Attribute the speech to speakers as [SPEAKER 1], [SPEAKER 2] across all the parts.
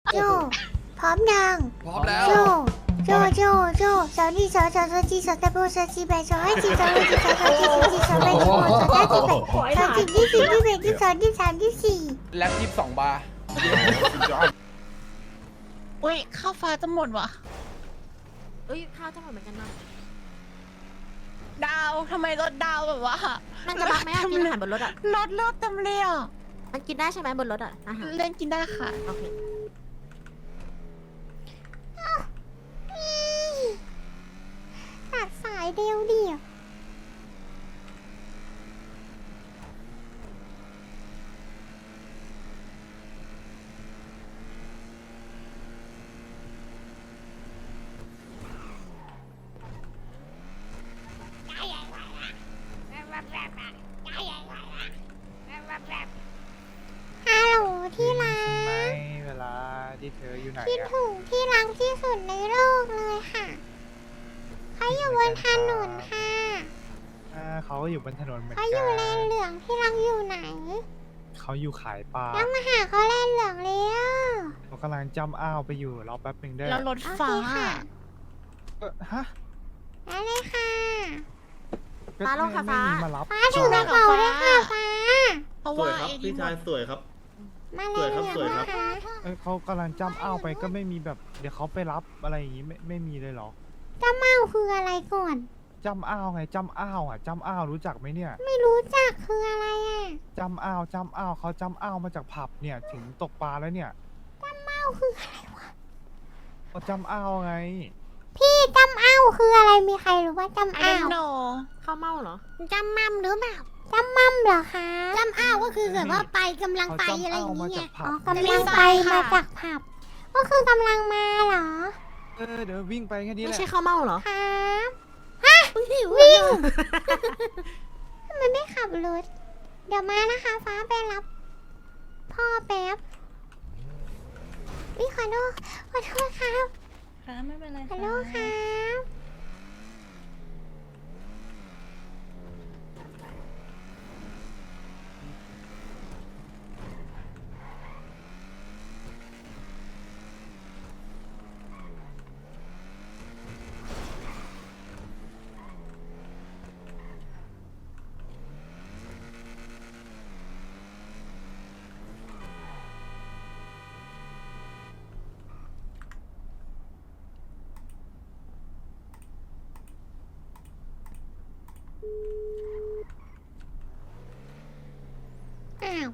[SPEAKER 1] โจพร้อมยัง
[SPEAKER 2] พร้อมแล้ว
[SPEAKER 1] โจสาวนี่สาวจีสาวตะโบสาวจีแบสาวให้จีสาวให้จีสาวจีสาวจีสาวแบสาวสาวจีแบสาวจีที่สี่ที่แบที่สองที่สามที่สี่
[SPEAKER 2] แล็บ22 บาร์
[SPEAKER 3] อุ้ยข้าวฟ้าจะหมดว่ะ
[SPEAKER 4] เอ้ยข้าวจะหมดเหมือนกันนะ
[SPEAKER 3] ดาวทำไมรถดาวแบบว่า
[SPEAKER 4] มันจะบักไหมอะกินอาหารบนรถอ่ะ
[SPEAKER 3] รถเลือดเต็มเลยอ่ะ
[SPEAKER 4] มันกินได้ใช่ไหมบนรถอ่ะอาหาร
[SPEAKER 3] เล่นกินได้ค่ะ
[SPEAKER 4] โอเค
[SPEAKER 1] ตัดสายเดียวเดียว ฮัลโหลที่รั
[SPEAKER 5] ใช่ไหม
[SPEAKER 1] ก
[SPEAKER 5] เวลาที่เธออยู่ไหน
[SPEAKER 1] คิด
[SPEAKER 5] อะ
[SPEAKER 1] ถึงที่รักที่สุดในโลกเลยค่ะเขาอยู่บนถนนค่ะ
[SPEAKER 5] เขาก็อยู่บนถนนเหมือน
[SPEAKER 1] เขา
[SPEAKER 5] กั
[SPEAKER 1] อยู่แลนเหลืองที่รักอยู่ไหน
[SPEAKER 5] เขาอยู่ขายปลา
[SPEAKER 1] แล้วมาหาเขาแลนเหลืองแล้ว
[SPEAKER 5] เขากำลังจำอ้าวไปอยู่รอแป๊บหนึ่งเด้อ
[SPEAKER 3] แล้วรถ
[SPEAKER 1] โอเค
[SPEAKER 3] ฟ้า
[SPEAKER 1] ค่ะ
[SPEAKER 5] ฮะ
[SPEAKER 1] ได้เลยค่ะ
[SPEAKER 5] ก็ไม่มีมารับ
[SPEAKER 1] ฟ้าถือกระเป๋าด้วยค่ะฟ้า
[SPEAKER 3] เพราะ
[SPEAKER 6] สว
[SPEAKER 3] ว่าย
[SPEAKER 6] ครับ
[SPEAKER 3] ไอ้นี่
[SPEAKER 6] พี่ชายสวยครับ
[SPEAKER 1] มาแลนเหลือง
[SPEAKER 6] สวยครั
[SPEAKER 1] นะ
[SPEAKER 6] บ
[SPEAKER 1] คะ
[SPEAKER 5] เขากำลังจำอ้าวไปก็ไม่มีแบบ เดี๋ยวเขาไปรับอะไรอย่างงี้ไม่มีเลยเหรอ
[SPEAKER 1] เจ้าเมาคืออะไรก่อน
[SPEAKER 5] จำอ้าวไงจำอ้าวอ่ะจำอ้าวรู้จักไหมเนี่ย
[SPEAKER 1] ไม่รู้จักคืออะไรอ่ะ
[SPEAKER 5] จำอ้าวเขาจำอ้าวมาจากผับเนี่ยถึงตกปลาแล้วเนี่ย
[SPEAKER 1] เมาคืออะไรวะ
[SPEAKER 5] เขาจำอ้าวไง
[SPEAKER 1] พี่จำอ้าวคืออะไรมีใครรู้ว่าจำ
[SPEAKER 3] ไอ้
[SPEAKER 1] อ้าว
[SPEAKER 3] โน
[SPEAKER 4] ข้าวเม่าเหรอ
[SPEAKER 1] จำมั่มหรือเปล่าจำมั่มเหรอคะจำอ้าวก็คือแบบว่าไปกำลัง
[SPEAKER 5] เขา
[SPEAKER 1] ไป
[SPEAKER 5] จำ
[SPEAKER 1] อะไรอ
[SPEAKER 5] อ้าว
[SPEAKER 1] ย่าง
[SPEAKER 5] มา
[SPEAKER 1] เงี้
[SPEAKER 5] จาย กผั
[SPEAKER 1] อ๋
[SPEAKER 5] บ
[SPEAKER 1] อกำลังไปมาจากผับ ก็คือกำลังมาเหรอ
[SPEAKER 5] เดี๋ยววิ่งไปแค่นี้แห
[SPEAKER 4] ไม่
[SPEAKER 5] ละ
[SPEAKER 4] ใช่ข้าวเม่าเหรอ
[SPEAKER 1] ครับฮะวิ่งทำไมไม่ขับรถ เดี๋ยวมานะคะ ฟ้าไปรับ พ่อแป๊บขอโทษครับ
[SPEAKER 3] ค่ะไม่เป็นไร
[SPEAKER 1] ขอโทษครับ อ้าว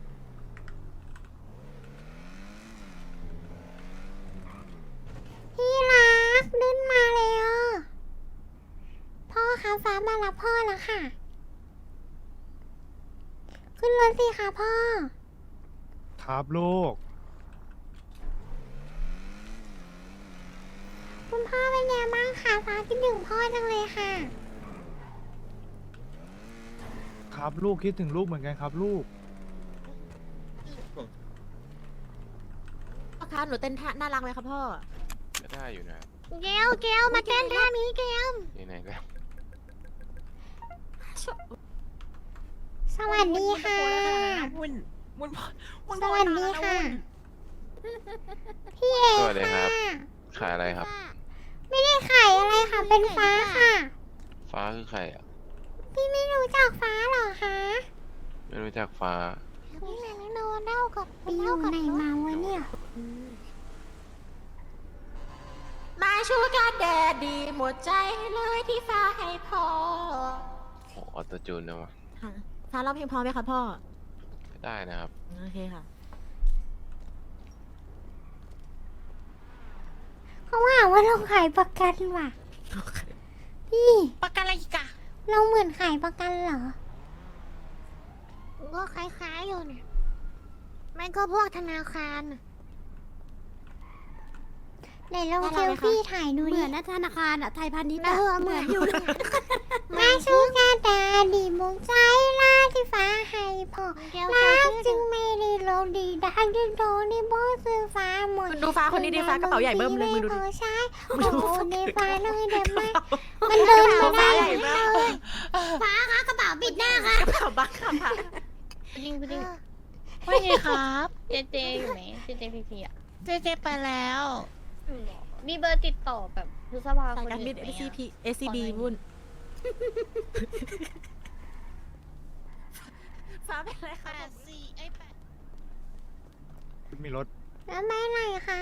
[SPEAKER 1] พี่รักดึ้นมาเลยอ่ะพ่อคะฟ้ามารับพ่อแล้วค่ะ ขึ้นรถสิคะพ่อ
[SPEAKER 5] ครับลูก
[SPEAKER 1] คุณพ่อเป็นไงบ้างคะฟ้าคิดถึงพ่อจังเลยค่ะ
[SPEAKER 5] ครับลูกคิดถึงลูกเหมือนกันครับลูก
[SPEAKER 4] พ่อคะหนูเต้นท่าน่ารักไหมครับพ่อ
[SPEAKER 7] ก็ได้อยู่นะ
[SPEAKER 1] เกลมาเต้นท่านี้เกล
[SPEAKER 7] ไหนๆก็
[SPEAKER 1] สวัสดีค่ะ
[SPEAKER 3] วุ่นวุ่นวุ่น
[SPEAKER 1] สวัสดีค่ะ พี่เอ
[SPEAKER 7] สวัสดีครับ
[SPEAKER 1] ค่ะ
[SPEAKER 7] ขายอะไรครับ
[SPEAKER 1] ไม่ได้ขายอะไรค่ะ เป็นฟ้าค่ะ
[SPEAKER 7] ฟ้าคือใครอ่ะ
[SPEAKER 1] พี่ไม่รู้จักฟ้าเหรอคะ
[SPEAKER 7] ไม่รู้จักฟ้า
[SPEAKER 1] พี่แมงโดนเล่ากับไปอยู่ไหนมาวะเนี่ย
[SPEAKER 4] มาชูการแดดดีหมดใจเลยที่ฟ้าให้พ่อ
[SPEAKER 7] โหออโตจูนนะวะ
[SPEAKER 4] ค่ะฟ้าร้องเพลงพอไหมครับพ่อ
[SPEAKER 7] ได้นะครับ
[SPEAKER 4] โอเคค่ะ
[SPEAKER 1] เขาว่าเราขายประกันว่ะ พี่
[SPEAKER 3] ประกันอะไรอีกอะ
[SPEAKER 1] เราเหมือนขายประกันเหรอ ก็คล้ายๆอยู่เนี่ยมันก็พวกธนาคารน่ะไหนลองเซลฟี่ถ่ายดู
[SPEAKER 4] เห
[SPEAKER 1] ดิ
[SPEAKER 4] มือนนะธนาคารอะไทยพาณิชย์
[SPEAKER 1] เหมือนอยู่เนี่ยมาชูกาตาดีมุงใจล่าที่ฟ้าให้พ่อรักจึงไม่ได้ลงดีดังจึงโดนในบ่อซื้อฟ้าหมด
[SPEAKER 4] ดูฟ้าคนนี้ดีฟ้ากระเป๋าใหญ่เบิ่มเลยมึงดูดิ
[SPEAKER 1] ใช่โอ้โหในฟ้าเลยเด็ดมากมันเดินมาได้เลยฟ้าคะกระเป๋าปิดหน้าค่ะ
[SPEAKER 4] กระเป๋าบักค่ะ
[SPEAKER 3] ว่าไงครับ เจเจอยู่ไหนเจเจพีพีอะเจไปแล้ว
[SPEAKER 2] มีเบอร์ติดต่อแบบพฤษภา
[SPEAKER 4] สาย
[SPEAKER 2] คน
[SPEAKER 4] การบิ
[SPEAKER 2] อื่
[SPEAKER 4] น
[SPEAKER 2] นไหม
[SPEAKER 4] SCP
[SPEAKER 2] อะ
[SPEAKER 4] SCB วุ่น ฟ้าเป็นไรคะ
[SPEAKER 3] 84ไอ้8
[SPEAKER 5] มีรถ
[SPEAKER 1] แล้วไปไหนคะ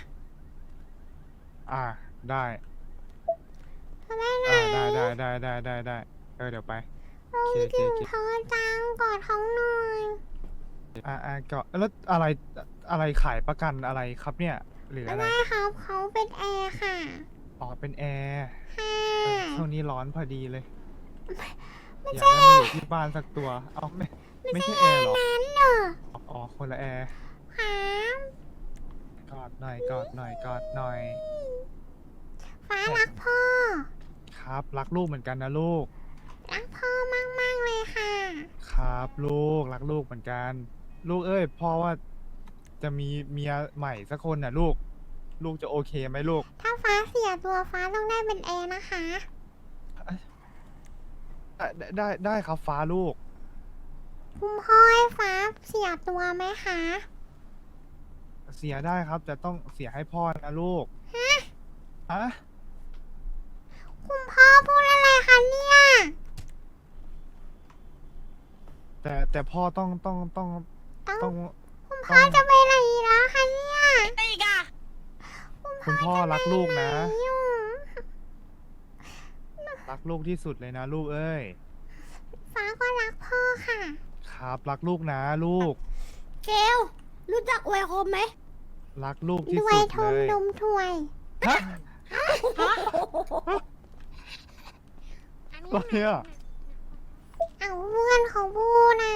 [SPEAKER 5] ได้
[SPEAKER 1] แล้วไปไหน
[SPEAKER 5] ได้เดี๋ยวไป
[SPEAKER 1] โอ้ยถึงเธอจังกอดเขาหน่อย
[SPEAKER 5] ก็แล้วอะไรขายประกันอะไรครับเนี่ย หรืออะไร
[SPEAKER 1] ได้ครับเขาเป็นแอร์ค่ะ
[SPEAKER 5] อ๋อเป็นแอร์
[SPEAKER 1] ค่ะ
[SPEAKER 5] ช่วงนี้ร้อนพอดีเลย
[SPEAKER 1] ไม่
[SPEAKER 5] อยาก
[SPEAKER 1] ใช่
[SPEAKER 5] ได้มาอยู่ที่บ้านสักตัวเอาไม่ใช่แอร์หรอ
[SPEAKER 1] นั้นเหรอ
[SPEAKER 5] อ๋อคนละแอร์
[SPEAKER 1] ครับ
[SPEAKER 5] กอดหน่อยกอดหน่อย
[SPEAKER 1] ฟ้ารักพ่อ
[SPEAKER 5] ครับรักลูกเหมือนกันนะลูก
[SPEAKER 1] รักพ่อมากๆเลยค่ะ
[SPEAKER 5] ครับลูกรักลูกเหมือนกัน ลูกเอ้ยพ่อว่าจะมีเมียใหม่สักคนน่ะลูกจะโอเคไหมลูก
[SPEAKER 1] ถ้าฟ้าเสียตัวฟ้าต้องได้เป็นแอร์นะคะ
[SPEAKER 5] ได้ครับฟ้าลูก
[SPEAKER 1] คุณพ่อให้ฟ้าเสียตัวไหมคะ
[SPEAKER 5] เสียได้ครับแต่ต้องเสียให้พ่อนะลูกฮะ
[SPEAKER 1] คุณพ่อพูดอะไรคะเนี่ย
[SPEAKER 5] แต่พ่อต้อง
[SPEAKER 1] คุณพ่อจะไปไหนแล้วคะเนี่ย
[SPEAKER 3] ไอ้อีกอะ
[SPEAKER 5] คุณพ่อรักลูกนะ
[SPEAKER 1] ไหอยู่
[SPEAKER 5] รักลูกที่สุดเลยนะลูกเอ้ย
[SPEAKER 1] ฟ้าก็รักพ่อค่ะ
[SPEAKER 5] ครับรักลูกนะลูก
[SPEAKER 4] เกลรู้จักอวยคมไหม
[SPEAKER 5] รักลูกที่
[SPEAKER 1] ด้ว
[SPEAKER 5] สุ
[SPEAKER 1] ย
[SPEAKER 5] ด
[SPEAKER 1] ท
[SPEAKER 5] เล
[SPEAKER 1] ม
[SPEAKER 5] ย
[SPEAKER 1] นมถ้วย
[SPEAKER 5] ฮะอะไรอ่ะ
[SPEAKER 1] เอาเพื่อนเขาพูดน่ะ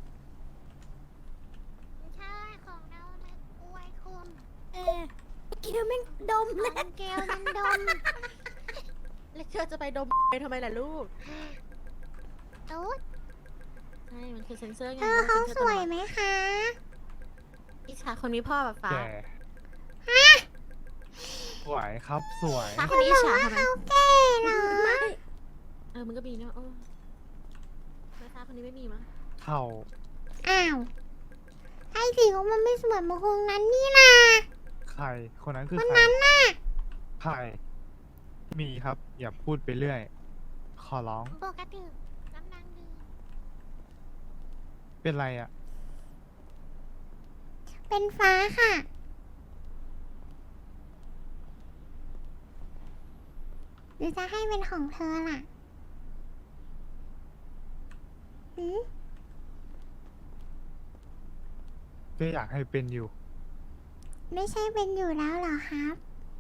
[SPEAKER 1] ใช่ของเรานะอวยคม
[SPEAKER 4] เกลแม่งดม
[SPEAKER 1] ข
[SPEAKER 4] เล
[SPEAKER 1] อย งเกลมันดม
[SPEAKER 4] แล้วเธอจะไปดมไปทำไมล่ะลูก
[SPEAKER 1] ตุ๊ด
[SPEAKER 4] ใช่มันคือเซนเซอร์ไง
[SPEAKER 1] เธอเขาสวยไหมคะ
[SPEAKER 4] อิจฉาคนมีพ่อแบบฟ้า
[SPEAKER 5] แก่สวยครับสวย
[SPEAKER 4] ฟ้าคนนี้อิจฉาทำไม
[SPEAKER 1] เขาแก่เหรอ
[SPEAKER 4] ไม่มันก็มีนะโอ้แล้วฟ้าคนนี้ไม่มีมั้ง
[SPEAKER 5] เข่า
[SPEAKER 1] อ้าวไอ้สิของมันไม่สวยเหมือนคนนั้นนี่นะ
[SPEAKER 5] ใครคนนั้นคือ
[SPEAKER 1] คน
[SPEAKER 5] ใคร
[SPEAKER 1] นั้นน่ะ
[SPEAKER 5] ใครมีครับ อย่าพูดไปเรื่อย ขอร้อง
[SPEAKER 1] ปกติน้ำนางดี
[SPEAKER 5] เป็นไรอ่ะ
[SPEAKER 1] เป็นฟ้าค่ะ หรือจะให้เป็นของเธอล่ะหืม
[SPEAKER 5] ก็อยากให้เป็นอยู่
[SPEAKER 1] ไม่ใช่เป็นอยู่แล้วเหรอครับ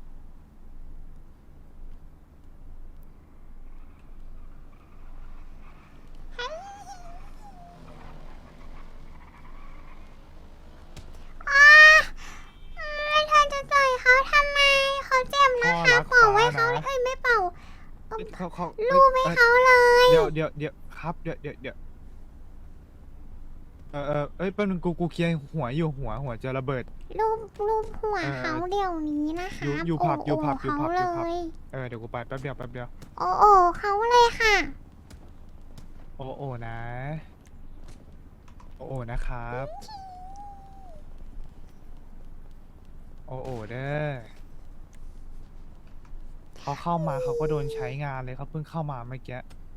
[SPEAKER 1] อ้าเธอจะต่อยเขาทำไม เขาเจ็บนะ
[SPEAKER 5] พ่อ
[SPEAKER 1] คะ
[SPEAKER 5] รัก
[SPEAKER 1] เป่าไว้
[SPEAKER 5] ฟ้า
[SPEAKER 1] เขา
[SPEAKER 5] นะ
[SPEAKER 1] เอ้ยไม่เป่า
[SPEAKER 5] เขา
[SPEAKER 1] ลูบให้เขาเลย
[SPEAKER 5] เดี๋ยวครับเดี๋ยวเอ้ยแป๊บนึงกูเคลียร์หัวอยู่หัวจะระเบิด
[SPEAKER 1] รูปหัวเขาเดี๋ยวนี้นะคะ
[SPEAKER 5] อยู่ผับ
[SPEAKER 1] โอ้โห
[SPEAKER 5] อยู่ผับ
[SPEAKER 1] เขา
[SPEAKER 5] อยู่ผับ
[SPEAKER 1] เลย
[SPEAKER 5] เดี๋ยวกูไปแป๊บเดียว
[SPEAKER 1] โอ้โอ้เขาเลยค่ะ
[SPEAKER 5] โอ้นะ โอ้นะครับ โอ้เด้อเขาเข้ามาเขาก็โดนใช้งานเลยเขาเพิ่งเข้ามาเมื่อกี้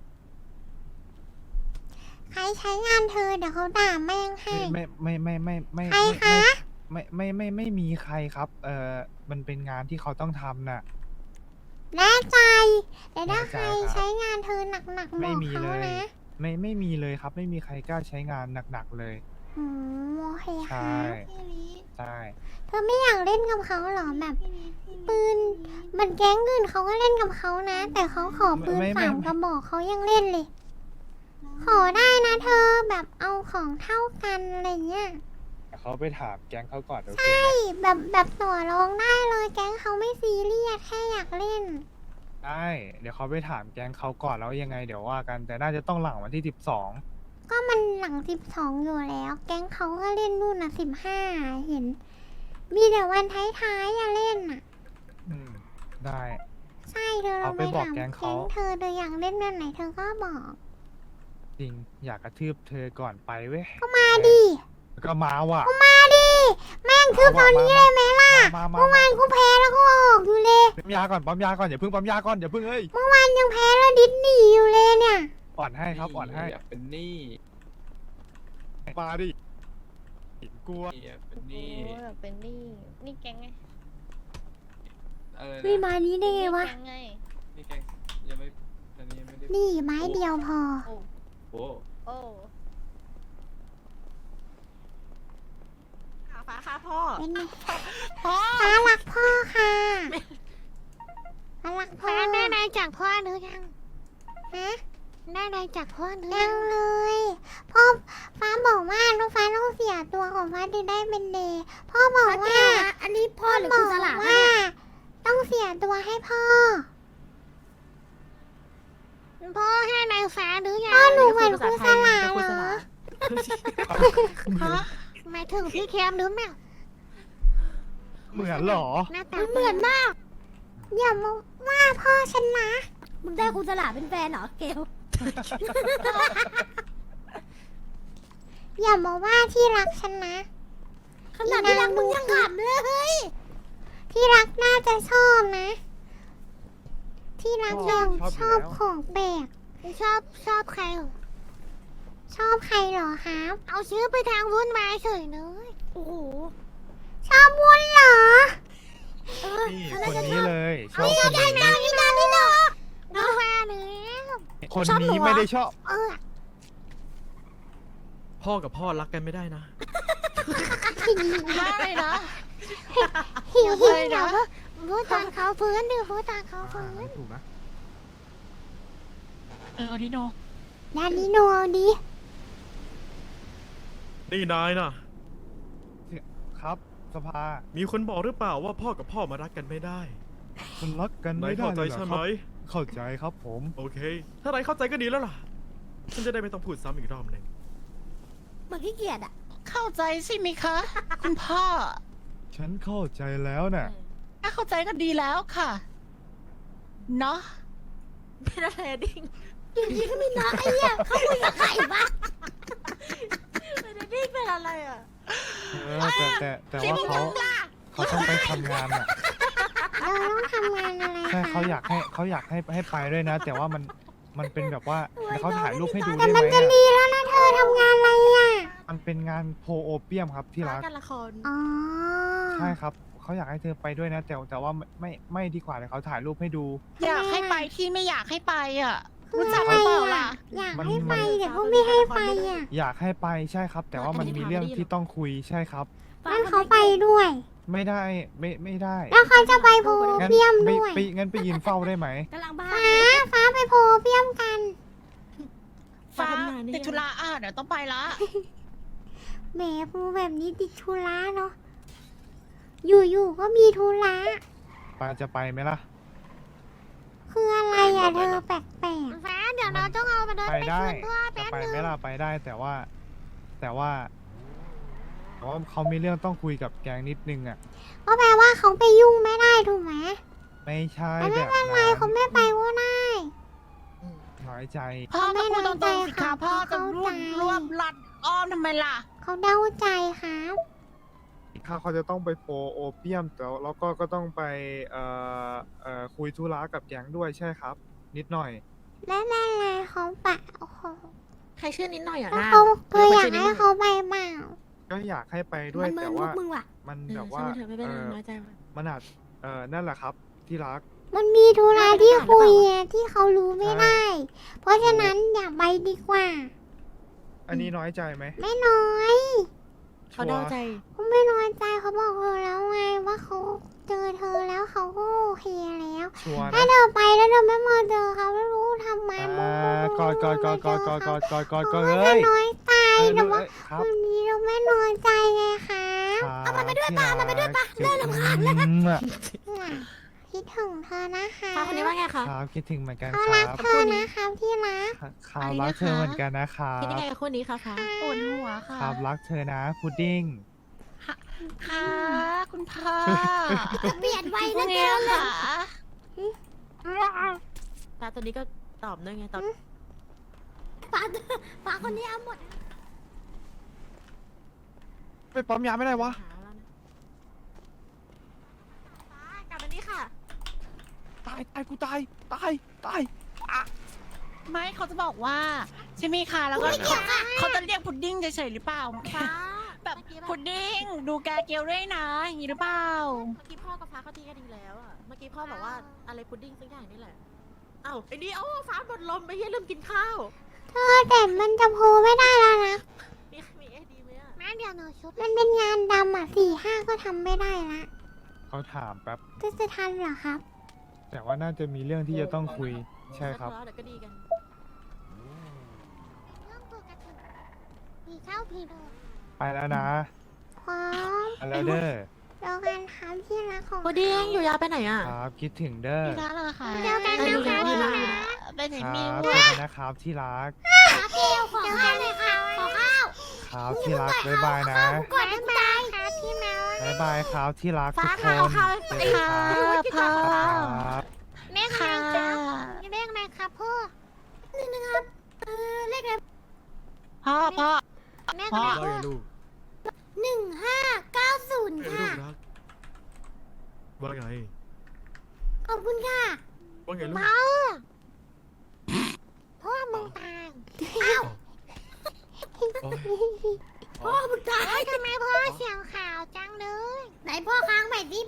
[SPEAKER 1] ใครใช้งานเธอเดี๋ยวเขาด่าแม่งให้
[SPEAKER 5] ไม่
[SPEAKER 1] ใครคะ
[SPEAKER 5] ไม่มีใครครับ มันเป็นงานที่เขาต้องทำน่ะ
[SPEAKER 1] แน่ใจแต่ถ้า
[SPEAKER 5] แน่
[SPEAKER 1] ใค
[SPEAKER 5] ใจ
[SPEAKER 1] ร
[SPEAKER 5] ครับ
[SPEAKER 1] ใช้งานเธอหนักๆบ
[SPEAKER 5] ไม่
[SPEAKER 1] อก
[SPEAKER 5] มี
[SPEAKER 1] เขา
[SPEAKER 5] เลย
[SPEAKER 1] นะ
[SPEAKER 5] ไม่มีเลยครับ ไม่มีใครกล้าใช้งานหนักๆเลย
[SPEAKER 1] โอเคค
[SPEAKER 5] ใช่
[SPEAKER 1] รับ
[SPEAKER 5] ใช่
[SPEAKER 1] เธอไม่อยากเล่นกับเขาเหรอแบบปืนมันแก๊งอื่นเขาก็เล่นกับเขานะ แต่เขาขอปืนสามกระบอกเขายังเล่นเลย ขอได้นะเธอแบบเอาของเท่ากันอะไรเงี้ย
[SPEAKER 5] เขาไปถามแก๊งเขาก่อนโอเค
[SPEAKER 1] ใช่แบบต่อรองได้เลยแก๊งเขาไม่ซีเรียสแค่อยากเล่น
[SPEAKER 5] ได้เดี๋ยวเขาไปถามแก๊งเขาก่อนแล้วยังไงเดี๋ยวว่ากัน แต่น่าจะต้องหลังวันที่ 12
[SPEAKER 1] ก็มันหลัง12อยู่แล้ว แก๊งเขาก็เล่นนู่นน่ะ15เห็น มีแต่วันท้ายๆอย่าเล่นน่ะ
[SPEAKER 5] ได้
[SPEAKER 1] ใช่เธอเรา
[SPEAKER 5] เอา
[SPEAKER 1] ไป
[SPEAKER 5] ไปบอก
[SPEAKER 1] ถาม
[SPEAKER 5] แก๊งเขา
[SPEAKER 1] เธออยากเล่นแบบไหนเธอก็บอก
[SPEAKER 5] จริงอยากกระทืบเธอก่อนไปเว้ย
[SPEAKER 1] ก็มาดิ
[SPEAKER 5] ก็มาว่ะ
[SPEAKER 1] มาดิแม่งคือตอนนี้เลยไหมล่ะ
[SPEAKER 5] มา
[SPEAKER 1] เมื่อวานกูแพ้แล้วก็ออกอยู่เลย
[SPEAKER 5] ปั๊มยาก่อนปั๊มยาก่อนอย่าเพิ่งปั๊มยาก่อนอย่าเพิ่งเอ้ย
[SPEAKER 1] เมื่อวานยังแพ้แล้วดิสหนีอยู่เลยเนี่ย
[SPEAKER 5] อ่อนให้ครับอ่อนให้
[SPEAKER 6] อยากเป็นหนี้
[SPEAKER 5] มาดิกลัว
[SPEAKER 6] อยากเป็นห
[SPEAKER 2] โอ้
[SPEAKER 6] นี้
[SPEAKER 2] ยแบบเป็นนี่นี่แก๊งไง
[SPEAKER 6] อะไร
[SPEAKER 1] ไม่
[SPEAKER 6] นะ
[SPEAKER 1] มานี้ได้ไงวะ
[SPEAKER 2] แก๊งไง
[SPEAKER 6] นี่แกงยังไม่อันนี้ยังไม่ได้
[SPEAKER 1] นี่ไม้เดียวพอ
[SPEAKER 2] โอ้
[SPEAKER 6] โอ้
[SPEAKER 2] โอ้
[SPEAKER 4] ฟ้าค่ะพ่อ
[SPEAKER 1] เป็นไง
[SPEAKER 4] พ่อ
[SPEAKER 1] ฟ้ารักพ่อค่ะฟ้ารักพ่อได้อะไรจากพ่อหรือยังฮะได้อะไรจากพ่อหรือยังเลยพ่อฟ้าบอกว่าน้องฟ้าต้องเสียตัวของฟ้าถึงได้เป็นเดย์พ่อบอกว่าอันนี้พ่อหรือคุณสลาว่าต้องเสียตัวให้พ่อพ่อให้นายฟ้าหรือยังพ่อหนูเหมือนคุณสลาเหรอหมายถึงพี่แคมหรือเปล่า
[SPEAKER 5] เหมือนเหรอ
[SPEAKER 1] หน้าตาเหมือนมาก อย่ามาว่าพ่อฉันนะ
[SPEAKER 8] มึงได้คุณสลาเป็นแฟนเหรอเกล
[SPEAKER 1] อย่ามาว่าที่รักฉันนะ
[SPEAKER 8] ขนาดที่รักมึงยังขำเลย
[SPEAKER 1] ที่รักน่าจะชอบนะ ที่รักยัง
[SPEAKER 5] ชอบอยู่แล้ว
[SPEAKER 1] ชอบของแปลกชอบใครเหรอชอบใครเหรอครับ เอาชื่อไปทางวุ่นวายเฉยเลยโอ้โหชอบวุ่นเหรอ
[SPEAKER 5] นี่คนนี้เลยชอบคนนี้
[SPEAKER 1] นี่นะนี่นะน้องว่าเลย
[SPEAKER 5] คนนี้ไม่ได้ชอบ
[SPEAKER 1] เออ
[SPEAKER 9] พ่อกับพ่อรักกันไม่ได้นะ
[SPEAKER 3] ได้นะ
[SPEAKER 1] หิวเดี๋ยวพูดตอนเขาฟื้นดิพูดตอนเขาฟื้น
[SPEAKER 5] ถูกนะ
[SPEAKER 3] เอาดิโน
[SPEAKER 1] ด้านนี้โนเอาดิ
[SPEAKER 9] นี่นายนะ
[SPEAKER 5] ครับสภา
[SPEAKER 9] มีคนบอกหรือเปล่าว่าพ่อกับพ่อมารักกันไม่ได้
[SPEAKER 5] มันรักกัน
[SPEAKER 9] นา
[SPEAKER 5] ไม่
[SPEAKER 9] ย
[SPEAKER 5] ได้
[SPEAKER 9] เข้าใจ
[SPEAKER 5] เลยเหรอ
[SPEAKER 9] ใช่
[SPEAKER 5] ค
[SPEAKER 9] ไหม
[SPEAKER 5] รับเข้าใจครับผม
[SPEAKER 9] โอเค ถ้านายเข้าใจก็ดีแล้วล่ะ ฉันจะได้ไม่ต้องพูดซ้ำอีกรอบหนึ่ง
[SPEAKER 8] เหมือนขี้เกียจอ่ะ
[SPEAKER 3] เข้าใจใช่ไหมคะ คุณพ่อ
[SPEAKER 5] ฉันเข้าใจแล้วน่ะ
[SPEAKER 3] ถ้าเข้าใจก็ดีแล้วค่ะ เนาะ
[SPEAKER 4] เป็นอะไรอะดิ้ง
[SPEAKER 8] อยู่ดีก็มีน้าไอ้เนี่ยเขาคุยกับใครบ้าง
[SPEAKER 4] เป็นอะไรดิ้งเป็นอะไรอ่ะ
[SPEAKER 5] แต่ว่าเขาต้องไปทำงานอ่ะ
[SPEAKER 1] เราต้องทำงานอะไร
[SPEAKER 5] ใช่
[SPEAKER 1] คะ
[SPEAKER 5] เขาอยากให้ไปด้วยนะ แต่ว่ามันเป็นแบบว่าเดี๋ยวเขาถ่ายรูปให้ดู
[SPEAKER 1] แต่
[SPEAKER 5] ได้ไหม
[SPEAKER 1] มันจะ
[SPEAKER 5] อะ
[SPEAKER 1] ดีแล้วนะเธอทำงานอะไรอ่ะ
[SPEAKER 5] มันเป็นงานโพโอเปียมครับที่รัก
[SPEAKER 4] การละคร
[SPEAKER 1] อ๋อ
[SPEAKER 5] ใช่ครับเขาอยากให้เธอไปด้วยนะ แต่ว่าไม่ดีกว่าเลยเขาถ่ายรูปให้ดู
[SPEAKER 3] อยากให้ไปที่ไม่อยากให้ไปอ่ะ
[SPEAKER 1] คือ
[SPEAKER 3] รู้จัก
[SPEAKER 1] อะ
[SPEAKER 3] ห
[SPEAKER 1] ไร
[SPEAKER 3] รือเปล่า
[SPEAKER 1] อ่ะ
[SPEAKER 3] ล่ะ
[SPEAKER 1] อยาก
[SPEAKER 5] มัน
[SPEAKER 1] ให้ไป
[SPEAKER 5] มัน
[SPEAKER 1] แต่ก็ไม่ให้ไปอ่ะ
[SPEAKER 5] อยากให้ไปใช่ครับ แต่ว่ามันมีเรื่องที่ต้องคุยใช่ครับ
[SPEAKER 1] งั้นเขาไปด้วย
[SPEAKER 5] ไม่ได้ไม่ได้
[SPEAKER 1] แล้วเขาจะไปโพ
[SPEAKER 5] งั้น
[SPEAKER 1] เปียม
[SPEAKER 5] ไป
[SPEAKER 1] ด้วย
[SPEAKER 5] งั้นไปยืนเฝ้าได้ไหม
[SPEAKER 8] กำลังบ้า
[SPEAKER 1] ฟ้าไปโพเปียมกัน
[SPEAKER 3] ฟ้าติดธุระเดี๋ยวต้องไปละ
[SPEAKER 1] แหมพูแบบนี้ติดธุระเนาะ อยู่ๆก็มีธุระ
[SPEAKER 5] ปาจะไปไหมล่ะ
[SPEAKER 1] คืออะไรอ่ะเธอแปลกๆฟ้าเดี๋ยวเราต้องเอามาเดิน
[SPEAKER 5] ไป
[SPEAKER 1] ไป
[SPEAKER 5] ได้
[SPEAKER 1] คืนพ่อ
[SPEAKER 5] จะ
[SPEAKER 1] แป๊บ
[SPEAKER 5] ไป
[SPEAKER 1] นึง
[SPEAKER 5] ไหมล่ะไปได้แต่ว่าเขามีเรื่องต้องคุยกับแกงนิดนึงอ่ะ
[SPEAKER 1] ก็แปลว่าเขาไปยุ่งไม่ได้ถูกไหม
[SPEAKER 5] ไม่ใช่
[SPEAKER 1] แต่
[SPEAKER 5] แบ
[SPEAKER 1] ไม่
[SPEAKER 5] บ
[SPEAKER 1] เป็นไร
[SPEAKER 5] นั้น
[SPEAKER 1] เขาไม่ไปก็ได้
[SPEAKER 5] น้อยใจ
[SPEAKER 3] พ่อก็พูดตรงๆสิคะพ่อจะ
[SPEAKER 1] เข้าใจ
[SPEAKER 3] รวบลัดอ้อมทำไมล่ะ
[SPEAKER 1] เขาเดาใจครับ
[SPEAKER 5] ถ้าเขาจะต้องไปโพโอเปียมแล้วก็ต้องไปคุยธุระกับแก๊งด้วยใช่ครับ นิดหน่อย
[SPEAKER 1] ไม่เป็นไรเขาไปเขา
[SPEAKER 4] ใครชื่อนิดหน่อยอ่ะ
[SPEAKER 1] แล้ว
[SPEAKER 4] นะ
[SPEAKER 1] เขาเธออยากให้เขาไปเปล่า
[SPEAKER 5] ก็อยากให้ไปด้วย
[SPEAKER 8] มันเมิ
[SPEAKER 5] แต่
[SPEAKER 8] นมุ
[SPEAKER 5] ว่า
[SPEAKER 8] กมึงว่ะ
[SPEAKER 5] มัน
[SPEAKER 4] เอ
[SPEAKER 5] แบ
[SPEAKER 4] อบ
[SPEAKER 5] ว่า
[SPEAKER 4] ช่างมันเถอะไม่เป็นไรน้อยใจว่ะ
[SPEAKER 5] มันอาจนั่นแหละครับที่รัก
[SPEAKER 1] มันมีธุระที่คุยอะที่เขารู้ไม่ได้ เพราะฉะนั้นอย่าไปดีกว่า
[SPEAKER 5] อันนี้น้อยใจไหม
[SPEAKER 1] ไม่น้อย
[SPEAKER 4] เขาเดาใจ
[SPEAKER 1] เขาไม่น้อยใจเขาบอกเธอแล้วไงว่าเขาเจอเธอแล้วเขาก็โอเคแล้ว
[SPEAKER 5] ชัวร์
[SPEAKER 1] ถ้า
[SPEAKER 5] นะ
[SPEAKER 1] เธอไปแล้วเธอไม่มาเจอเขาไม่รู้ทำไม
[SPEAKER 5] กอดเล
[SPEAKER 1] จะ
[SPEAKER 5] ย
[SPEAKER 1] น้อยใจ แต่ว่า
[SPEAKER 5] ครับ
[SPEAKER 1] วันนี้เราไม่น้อยใจไงคะ
[SPEAKER 5] เอามันไปด้วยป่ะมันไปด้วยป่ะเริ่มรำคาญแล้ว
[SPEAKER 1] คิดถึงเธอนะคะ
[SPEAKER 4] ฟ้าคนนี้ว่าไงคะ
[SPEAKER 5] ครับคิดถึงเหมือนกัน
[SPEAKER 1] เขา
[SPEAKER 5] ค
[SPEAKER 1] รั
[SPEAKER 5] รั
[SPEAKER 1] ก
[SPEAKER 5] บ
[SPEAKER 1] เธอนะครับที่รัก
[SPEAKER 5] ครับรักเธอเหมือนกันนะครับ
[SPEAKER 4] คิดยังไงกับคนนี้คะฟ้า
[SPEAKER 3] ปวดหัวค่ะ
[SPEAKER 5] ครับรักเธอนะพุดดิ้ง
[SPEAKER 3] ค่ะ คุณพ่อ
[SPEAKER 8] เปลี่ยนไว
[SPEAKER 3] พรุ่
[SPEAKER 8] นะ
[SPEAKER 3] ง
[SPEAKER 8] เก
[SPEAKER 3] นี้
[SPEAKER 8] ล
[SPEAKER 3] ค่ะ
[SPEAKER 4] ฟ้าตัวนี้ก็ตอบด้วยไงตอบ
[SPEAKER 8] ฟ้าคนนี้เอาหมด
[SPEAKER 5] ไปปั๊มยาไม่ได้วะ
[SPEAKER 4] กลับมานี่ค่ะ
[SPEAKER 5] ตายกูตาย
[SPEAKER 3] ไม่เขาจะบอกว่าใช่ไหมคะแล้วก็เขาจะเรียกพุดดิ้งเฉยๆหรือเปล่า
[SPEAKER 4] ฟ้า
[SPEAKER 3] แบบ
[SPEAKER 4] เมื่อกี้
[SPEAKER 3] พุดดิ้งดูแกเกลด้วยนะอย่างนี้หรือเปล่า
[SPEAKER 4] เมื่อกี้พ่อกับฟ้าเขาตีกันดีแล้วอ่ะ เมื่อกี้พ่อบอกว่าอะไรพุดดิ้งสักอย่างนี่แหละ เอ้าไอ้นี่เอ้าฟ้าหมดลมไปเฮียลืมกินข้าว
[SPEAKER 1] เธอแต่มันจะโพลไม่ได้แล้วนะ
[SPEAKER 4] มีเอดีไหมอ่ะ
[SPEAKER 8] แม่เดี๋ยวหนูชุบ
[SPEAKER 1] มันเป็นงานดำอ่ะ4-5ก็ทำไม่ได้ละ
[SPEAKER 5] เขาถามแป๊บ
[SPEAKER 1] จะทันเหรอครับ
[SPEAKER 5] แต่ว่าน่าจะมีเรื่องที่จะต้องคุยใช่ครับ
[SPEAKER 4] เดี๋ยวก็ดีกัน
[SPEAKER 8] เรื่องปกติผีเข้าผีโดน
[SPEAKER 5] ไปแล้วนะ
[SPEAKER 1] พร้อม
[SPEAKER 5] ไปแล้วเด้อ
[SPEAKER 1] เจอกันครับที่รักของ
[SPEAKER 4] พุดดิ้งอยู่ยาวไปไหนอ่ะ
[SPEAKER 5] ครับคิดถึงเด้อ
[SPEAKER 3] พี่รักเหรอคะ
[SPEAKER 1] เจอกัน
[SPEAKER 4] ไป
[SPEAKER 1] นะ
[SPEAKER 4] ดู
[SPEAKER 1] คะ
[SPEAKER 4] ดู
[SPEAKER 1] ที่
[SPEAKER 4] ดู
[SPEAKER 1] รัก
[SPEAKER 3] ไปไหน
[SPEAKER 5] ค
[SPEAKER 3] มี
[SPEAKER 5] รับ
[SPEAKER 3] ลู
[SPEAKER 5] เจ
[SPEAKER 3] ก
[SPEAKER 5] อกันนะครับที่รัก
[SPEAKER 8] เกลขอข้าวเลยค่ะ ขอข้าว
[SPEAKER 5] ครับที่รักบ๊ายบายนะ
[SPEAKER 8] ก่อนได้
[SPEAKER 1] ครับพี่แมว
[SPEAKER 5] บ๊ายบายครับที่รักทุ
[SPEAKER 4] ฟ้าก
[SPEAKER 5] ค
[SPEAKER 4] ค่ะ
[SPEAKER 5] น
[SPEAKER 4] เอาข้าว
[SPEAKER 5] เจอ
[SPEAKER 4] ไอ้
[SPEAKER 5] กันค
[SPEAKER 4] ค่ะ
[SPEAKER 5] รับ
[SPEAKER 4] ไม่กินข้าว
[SPEAKER 5] ครับ
[SPEAKER 1] แม่
[SPEAKER 3] ค่ะ
[SPEAKER 1] เรียกอะไรครับพ่อ
[SPEAKER 8] เลขอะไร
[SPEAKER 3] พ่อ
[SPEAKER 1] แม่
[SPEAKER 3] พ่อ
[SPEAKER 1] ก็
[SPEAKER 9] ว่าไงลูก
[SPEAKER 8] 1590 ค่ะ
[SPEAKER 9] ลูกรักว่าไง
[SPEAKER 8] ขอบคุณค่ะ
[SPEAKER 9] ว่าไงลูก
[SPEAKER 1] เมาพ่อมึงตาย
[SPEAKER 8] อ้าว
[SPEAKER 9] โอ๊ย
[SPEAKER 8] พ่อมึงตาย
[SPEAKER 1] ทำไมพ่อเสียงขาวจังเลย
[SPEAKER 8] ไหนพ่อค้างใหม่สิ